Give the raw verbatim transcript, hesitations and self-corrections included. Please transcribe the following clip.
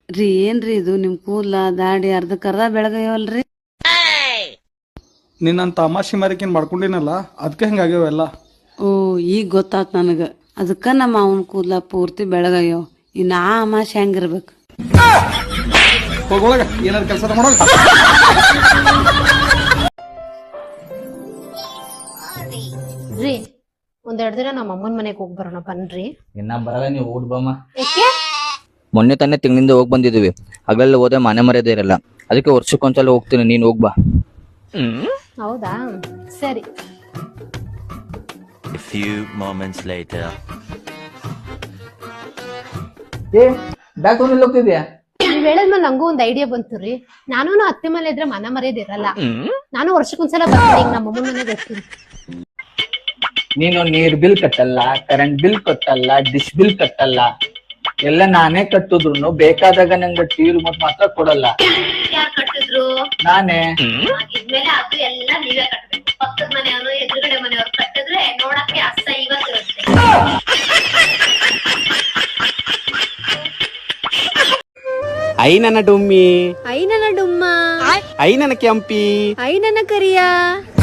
ರೀ ಏನ್ರಿ ಇದು ನಿಮ್ ಕೂದ್ಲ ದಾಡಿ ಅರ್ಧಕ್ಕರ್ಧ ಬೆಳಗೈವಲ್ರಿ. ನಿನ್ನ ತಮಾಷೆ ಮಾರಿಕೇನ್ ಮಾಡ್ಕೊಂಡಿನಲ್ಲ ಅದಕ್ಕೆ ಹಿಂಗಾಗ್ಯಾವೆಲ್ಲ. ಓ ಈಗ ಗೊತ್ತಾತ್ ನನಗ. ಅದಕ್ಕ ನಮ್ಮ ಅವನ್ ಕೂದ್ಲ ಪೂರ್ತಿ ಬೆಳಗಯ್ಯೋ. ಇನ್ನ ಆ ಅಮಾಶೆ ಹೆಂಗಿರ್ಬೇಕು. ಹೋಗೊಳಗ ಏನಾದ್ರು ಕೆಲಸ ಮಾಡೋಗ. ರೀ ಒಂದೆರಡು ದಿನ ನಮ್ಮ ಅಮ್ಮನ ಮನೆಗೆ ಹೋಗಿ ಬರೋಣ ಬನ್ರಿ. ಇನ್ನ ಬರಲ್ಲ, ನೀವು ಊಟ ಬಮ್ಮ. ಯಾಕೆ? ಮೊನ್ನೆ ತಾನೇ ತಿಂಗಳಿಂದ ಹೋಗಿ ಬಂದಿದ್ವಿ. ಹಗಲೆಲ್ಲ ಹೋದ್ರೆ ಮನೆ ಮರ್ಯಾದೆ ಇರಲ್ಲ, ಅದಕ್ಕೆ ವರ್ಷಕ್ಕೊಂದ್ಸಲ ಹೋಗ್ತೀನಿ, ನೀನ್ ಹೋಗ್ಬಾ. ಹೌದಾ, ಸರಿ. A few moments later. ಏ ಬ್ಯಾಗ್ ತಗೊಂಡ್ ಹೋಗ್ತಿದ್ಯಾ? ನೀವ್ ಹೇಳದ್ಮೇಲೆ ನಂಗೂ ಒಂದ್ ಐಡಿಯಾ ಬಂತು ರೀ. ನಾನು ಅತ್ತೆ ಮನೆ ಇದ್ರೆ ಮನ ಮರ್ಯಾದೆ ಇರಲ್ಲ. ನಾನು ವರ್ಷಕ್ಕೊಂದ್ಸಲ ಬರ್ತೀನಿ, ಈಗ ನಮ್ಮ ಅಮ್ಮನ ಮನೆಗೆ ಹೋಗ್ತೀನಿ. ನೀನು ನೀರ್ ಬಿಲ್ ಕಟ್ಟಲ್ಲ, ಕರೆಂಟ್ ಬಿಲ್ ಕಟ್ಟಲ್ಲ, ಡಿಶ್ ಬಿಲ್ ಕಟ್ಟಲ್ಲ, ಎಲ್ಲ ನಾನೇ ಕಟ್ಟಿದ್ರು ಬೇಕಾದಾಗ ನಂಗೆ ಟಿವಿ ರಿಮೋಟ್ ಮಾತ್ರ ಕೊಡಲ್ಲ. ಯಾರು ಕಟ್ಟಿದ್ರು? ನಾನೇ. ಇದ್ಮೇಲೆ ಅದು ಎಲ್ಲ ನೀವೇ ಕಟ್ಟಬೇಕು. ಪಕ್ಕದ ಮನೆಯವರು ಎದುರುಗಡೆ ಮನೆಯವರು ಕಟ್ಟಿದ್ರೆ ನೋಡಕ್ಕೆ ಅಸಹ್ಯವಾಗಿರುತ್ತೆ. ಐ ನನ್ನ ಡುಮ್ಮಿ, ಐ ನನ್ನ ಡುಮ್ಮ, ಐ ನನ್ನ ಕೆಂಪಿ, ಐ ನನ್ನ ಕರಿಯ.